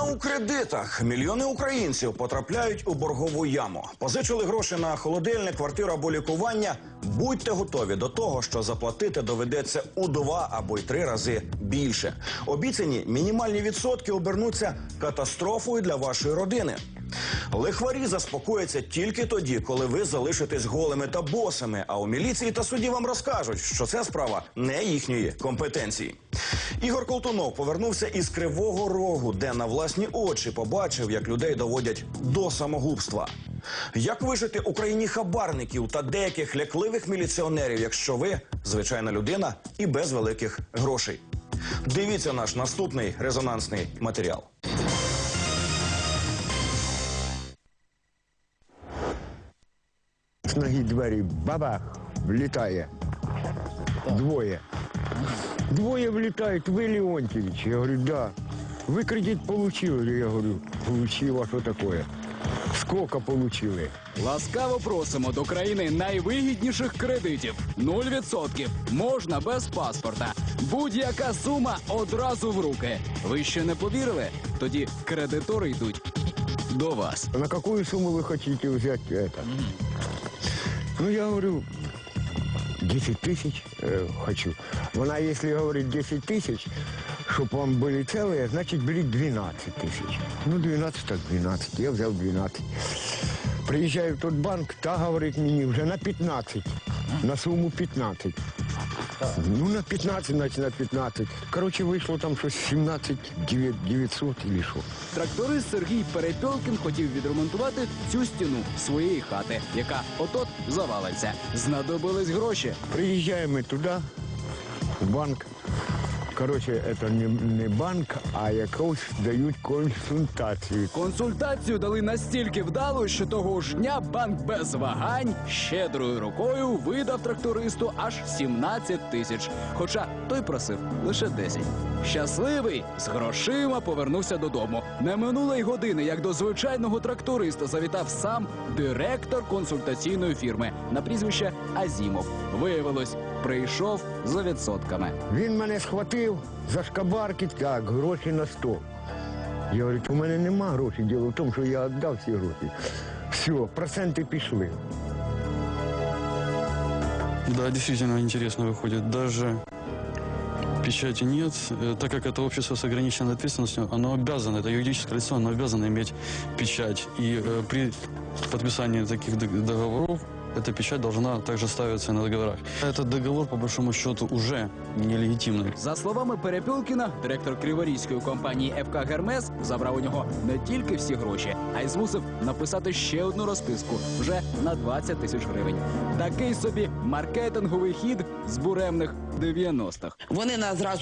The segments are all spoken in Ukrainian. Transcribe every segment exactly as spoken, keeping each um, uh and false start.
у кредитах. Мільйони українців потрапляють у боргову яму. Позичили гроші на холодильник, квартиру або лікування. Будьте готові до того, що заплатити доведеться у два або й три рази більше. Обіцяні мінімальні відсотки обернуться катастрофою для вашої родини. Лихварі заспокояться тільки тоді, коли ви залишитесь голими та босими, а у міліції та суді вам розкажуть, що це справа не їхньої компетенції. Ігор Колтунов повернувся із Кривого Рогу, де на власні очі побачив, як людей доводять до самогубства. Як вижити Україні хабарників та деяких лякливих міліціонерів, якщо ви звичайна людина і без великих грошей? Дивіться наш наступний резонансний матеріал. З ноги двері бабах, влітає. Двоє. Двоє влітають. Ви Леонтьевич? Я говорю, да. Ви кредит получили? Я говорю, получил, а що таке? Скільки получили? Ласкаво просимо до країни найвигідніших кредитів. Нуль відсотків. Можна без паспорта. Будь-яка сума одразу в руки. Ви ще не повірили? Тоді кредитори йдуть до вас. На яку суму ви хочете взяти это? Ну, я говорю, десять тисяч э, хочу. Вона, якщо говорить десять тисяч, щоб вам були цілі, значить беріть дванадцять тисяч. Ну, дванадцять так дванадцять, я взяв дванадцять. Приїжджаю в той банк, та говорить мені вже на п'ятнадцять, на суму п'ятнадцять. Ну, на п'ятнадцять, значить на п'ятнадцять. Коротше, вийшло там щось сімнадцять дев'ятсот чи що. Тракторист Сергій Перепьолкін хотів відремонтувати цю стіну своєї хати, яка от-от завалиться. Знадобились гроші. Приїжджаємо туди, в банк. Коротше, це не, не банк, а якось дають консультацію. Консультацію дали настільки вдало, що того ж дня банк без вагань щедрою рукою видав трактористу аж сімнадцять тисяч. Хоча той просив лише десять. Щасливий, з грошима повернувся додому. Не минуло й години, як до звичайного тракториста завітав сам директор консультаційної фірми на прізвище Азімов. Виявилось, прийшов за відсотками. Він мене схватив за шкабарки, так, гроші на стол. Я говорю, у мене нема грошей, діло в тому, що я віддав ці гроші. Все, проценти пішли. Да, действительно интересно выходит. Даже печати нет, так как это общество с ограниченной ответственностью, оно обязано, это юридическое лицо, оно обязано иметь печать. И э, при подписании таких договоров эта печать должна также ставиться на договорах. Этот договор, по большому счету, уже нелегитимный. За словами Перепьолкіна, директор криворізької компанії еф ка «Гермес» забрав у нього не тільки всі гроші, а й змусив написати ще одну розписку вже на двадцять тисяч гривень. Такий собі маркетинговий хід з буремних дев'яностих. Вони нас зразу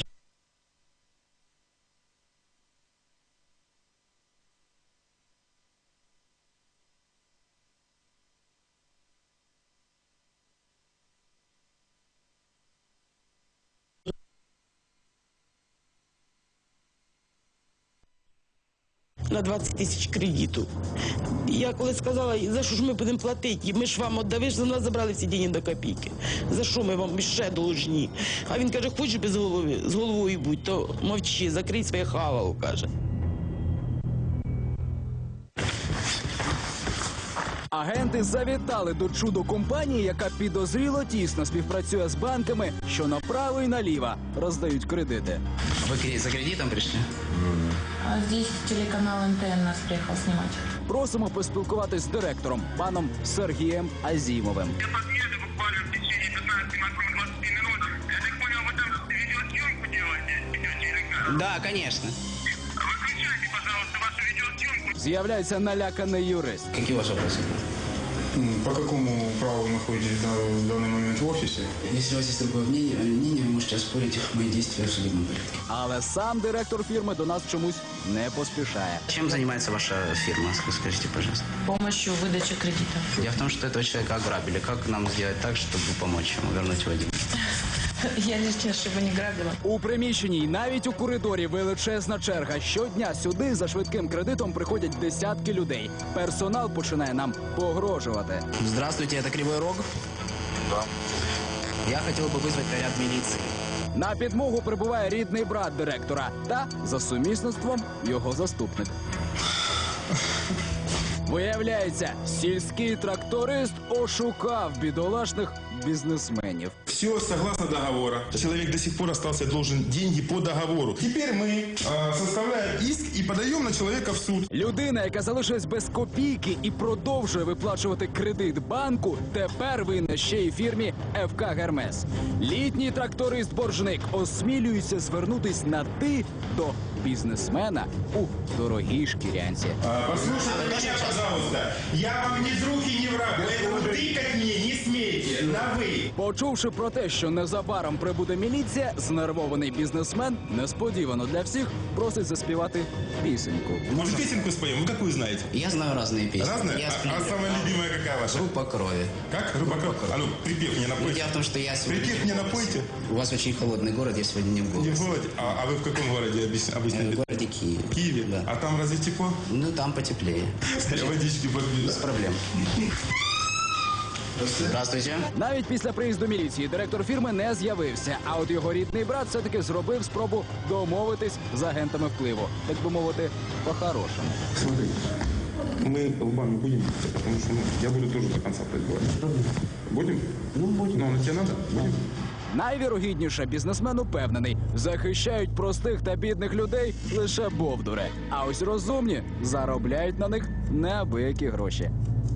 на двадцять тисяч кредиту. Я коли сказала, за що ж ми будемо платити? Ми ж вам віддали, за нас забрали всі гроші до копійки. За що ми вам ще должні? А він каже, хочеш без голови, з головою будь, то мовчи, закрий своє хавало, каже. Агенти завітали до чудо-компанії, яка підозріло тісно співпрацює з банками, що направо і наліво роздають кредити. Вы за кредитом пришли? А здесь телеканал эн тэ эн нас приехал снимать. Просимо поспілкуватись з директором, паном Сергієм Азімовим. Я подъеду буквально в течение пятнадцати, максимум двадцати минут. Я так понял, вы там видеосъемку делаете, идете или как? Да, конечно. Выключайте, пожалуйста, вашу видеосъемку. З'являється наляканий юрист. Какие ваши вопросы? По какому праву вы находитесь в данный момент в офисе? Если у вас есть другое мнение, мнение, вы можете оспорить мои действия в судебном порядке. Але сам директор фірми до нас чомусь не поспішає. Чем занимается ваша фирма, скажите, пожалуйста? Помощью выдачи кредитов. Дело в том, что этого человека ограбили. Как нам сделать так, чтобы помочь ему вернуть его деньги? Я лишь чтобы не грабила. У приміщенні й навіть у коридорі величезна черга. Щодня сюди за швидким кредитом приходять десятки людей. Персонал починає нам погрожувати. Здравствуйте, это Кривой Рог? Да. Я хотел бы вызвать наряд милиции. На підмогу прибуває рідний брат директора та за сумісництвом його заступник. Виявляється, сільський тракторист ошукав бідолашних бізнесменів. Все согласно договора. Человек до сих пор остался должен деньги по договору. Теперь мы э, составляем иск и подаем на человека в суд. Людина, яка залишилась без копійки і продовжує виплачувати кредит банку, тепер винна ще й фірмі еф ка «Гермес». Літній тракторист-боржник осмілюється звернутись на «ти» до бізнесмена у дорогій шкірянці. А, послушайте меня, пожалуйста. Я вам не друг и не враг, поэтому тыкать мне не смейте. На вы. Почувши про те, що незабаром прибуде міліція, знервований бізнесмен несподівано для всіх просить заспівати пісеньку. Может, песенку споем? Вы какую знаете? Я знаю разные песни. Разные? Я А, сплю. а самая любимая какая ваша? Группа крови. Как? Группа крови? А ну, припев мне Ну, напойте. дело в том, что я сегодня... Припев мне напойте. У вас очень холодный город, я сегодня не в Не городе. в городе. А, а вы в каком городе обычно? Э, обычно? В городе Киев. В Киеве? Да. А там разве тепло? Ну, там потеплее. Я водички попью. Без проблем. Здравствуйте. Навіть після приїзду міліції директор фірми не з'явився, а от його рідний брат все-таки зробив спробу домовитись з агентами впливу. Так би мовити, по-хорошому. Смотри, мы лбами будем, потому что ну, я буду тоже до конца предлагать. Будем? Ну, будем. Ну, на тебе надо? Будем. Найвірогідніше, бізнесмен упевнений, захищають простих та бідних людей лише бовдури. А ось розумні заробляють на них неабиякі гроші.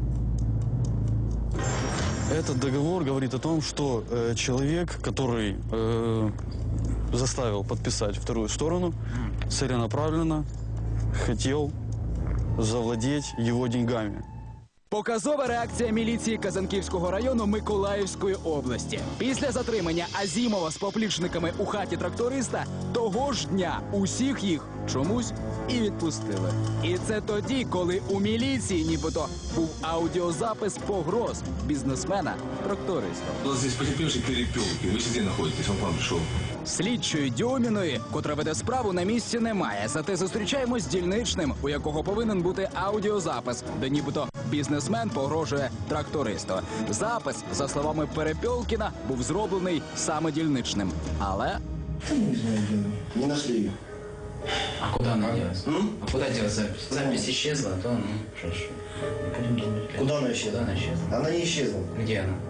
Этот договор говорит о том, что э, человек, который э, заставил подписать вторую сторону, целенаправленно хотел завладеть его деньгами. Показова реакція міліції Казанківського району Миколаївської області. Після затримання Азімова з поплічниками у хаті тракториста того ж дня усіх їх чомусь і відпустили. І це тоді, коли у міліції нібито був аудіозапис погроз бізнесмена-тракториста. У нас здесь потерпевший перепелки. Вы где находитесь? Он к вам пришел. Слідчої Дьоміної, котра веде справу, на місці немає. Зате зустрічаємось з дільничним, у якого повинен бути аудіозапис, де нібито бізнесмен погрожує трактористу. Запис, за словами Перепьолкіна, був зроблений саме дільничним. Але Не нашли ее. А куда она делась? А куда делась запись? Запись исчезла, то ну, что ж. Будем думать. Куда она исчезла? Куда она исчезла? Она не исчезла. Где она?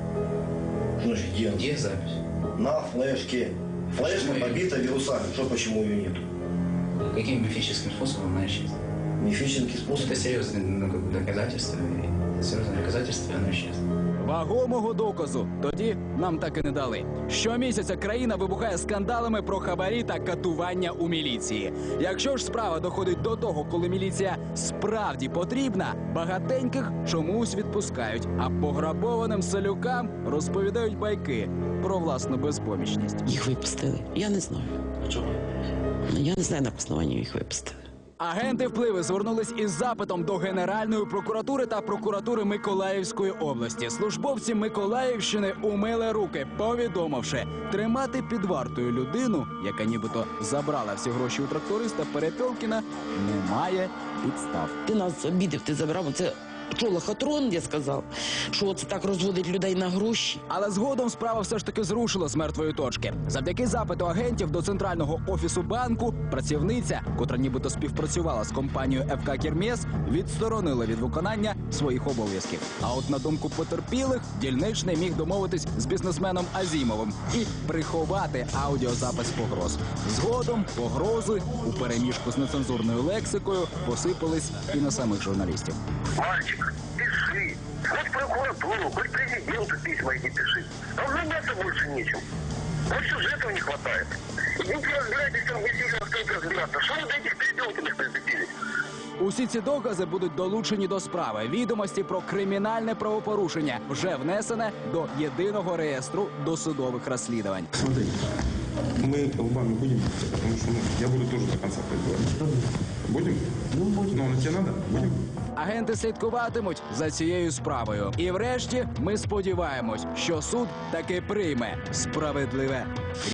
Значит, где она? Где запись? На флешке. Флешка Почему её- побита вирусами. Что, почему ее нет? Каким мифическим способом она исчезла? Мифический способ. Это серьезное ну, как бы доказательство. И серьезное доказательство, и оно исчезло. вагомого доказу тоді нам так і не дали. Щомісяця країна вибухає скандалами про хабарі та катування у міліції. Якщо ж справа доходить до того, коли міліція справді потрібна, багатеньких чомусь відпускають, а пограбованим селюкам розповідають байки про власну безпомічність. Їх випустили. Я не знаю. Чего? Я не знаю, на основанні їх випустили. Агенти впливу звернулись із запитом до Генеральної прокуратури та прокуратури Миколаївської області. Службовці Миколаївщини умили руки, повідомивши, тримати під вартою людину, яка нібито забрала всі гроші у тракториста Перепьолкіна, немає підстав. Ти нас обідав, ти забрав. Це що, лохотрон, я сказав? Що це так розводить людей на гроші? Але згодом справа все ж таки зрушила з мертвої точки. Завдяки запиту агентів до центрального офісу банку працівниця, котра нібито співпрацювала з компанією еф ка «Гермес», відсторонила від виконання своїх обов'язків. А от на думку потерпілих, дільничний міг домовитись з бізнесменом Азімовим і приховати аудіозапис погроз. Згодом погрози у переміжку з нецензурною лексикою посипались і на самих журналістів. Мальчик, пиши. Хоть прокуратуру, хоть президенту письма эти пиши. А заняться больше нечем. Вот сюжетов не хватает. Идите разбирайтесь, там действительно стоит разбираться. Что вы до этих перепелкиных прицепились? Усі ці докази будуть долучені до справи. Відомості про кримінальне правопорушення вже внесене до єдиного реєстру досудових розслідувань. Смотри, мы лбами будем, потому что ну, я буду тоже до конца предлагать. Будем? Ну, будем. Ну, на тебе надо? Будем. Агенти слідкуватимуть за цією справою. І врешті ми сподіваємось, що суд таки прийме справедливе